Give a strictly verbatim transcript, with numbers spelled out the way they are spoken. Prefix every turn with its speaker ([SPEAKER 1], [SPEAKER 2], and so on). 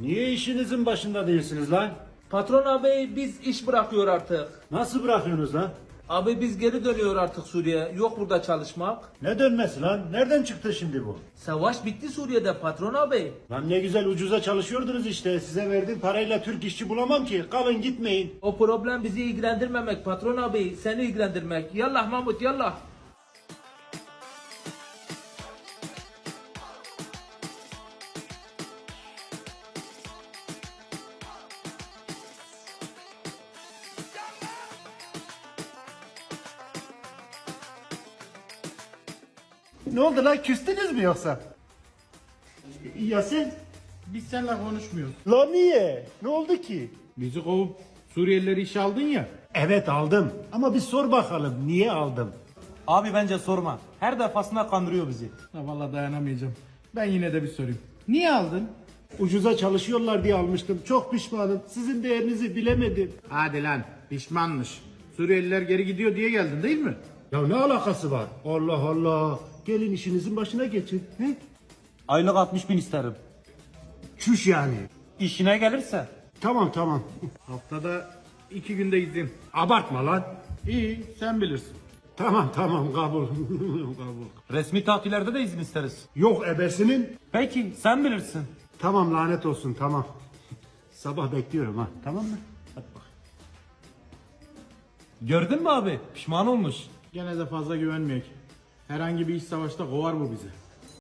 [SPEAKER 1] Niye işinizin başında değilsiniz lan?
[SPEAKER 2] Patron abi biz iş bırakıyor artık.
[SPEAKER 1] Nasıl bırakıyorsunuz lan?
[SPEAKER 2] Abi biz geri dönüyor artık Suriye. Yok burada çalışmak.
[SPEAKER 1] Ne dönmesi lan? Nereden çıktı şimdi bu?
[SPEAKER 2] Savaş bitti Suriye'de patron abi.
[SPEAKER 1] Lan ne güzel ucuza çalışıyordunuz işte. Size verdiğim parayla Türk işçi bulamam ki. Kalın gitmeyin.
[SPEAKER 2] O problem bizi ilgilendirmemek patron abi. Seni ilgilendirmek. Yallah Mahmut yallah.
[SPEAKER 1] Ne oldu lan? Küstünüz mü yoksa? Ya sen?
[SPEAKER 3] Biz seninle konuşmuyoruz.
[SPEAKER 1] Lan niye? Ne oldu ki?
[SPEAKER 3] Bizi kovup Suriyelileri işe aldın ya.
[SPEAKER 1] Evet aldım. Ama bir sor bakalım niye aldım?
[SPEAKER 4] Abi bence sorma. Her defasında kandırıyor bizi.
[SPEAKER 3] Ha, vallahi dayanamayacağım. Ben yine de bir sorayım. Niye aldın?
[SPEAKER 1] Ucuza çalışıyorlar diye almıştım. Çok pişmanım. Sizin değerinizi bilemedim.
[SPEAKER 3] Hadi lan pişmanmış. Suriyeliler geri gidiyor diye geldin değil mi?
[SPEAKER 1] Ya ne alakası var? Allah Allah. Gelin işinizin başına geçin. He?
[SPEAKER 4] Aylık altmış bin isterim.
[SPEAKER 1] Çüş yani.
[SPEAKER 4] İşine gelirse.
[SPEAKER 1] Tamam tamam.
[SPEAKER 3] Haftada iki günde izin.
[SPEAKER 1] Abartma lan.
[SPEAKER 3] İyi sen bilirsin.
[SPEAKER 1] Tamam tamam kabul. kabul.
[SPEAKER 4] Resmi tatillerde de izin isteriz.
[SPEAKER 1] Yok ebesinin.
[SPEAKER 4] Peki sen bilirsin.
[SPEAKER 1] Tamam lanet olsun tamam. Sabah bekliyorum ha. Tamam mı? Hadi bak.
[SPEAKER 4] Gördün mü abi? Pişman olmuş.
[SPEAKER 3] Gene de fazla güvenmeyek. Herhangi bir iş savaşta kovar bu bizi.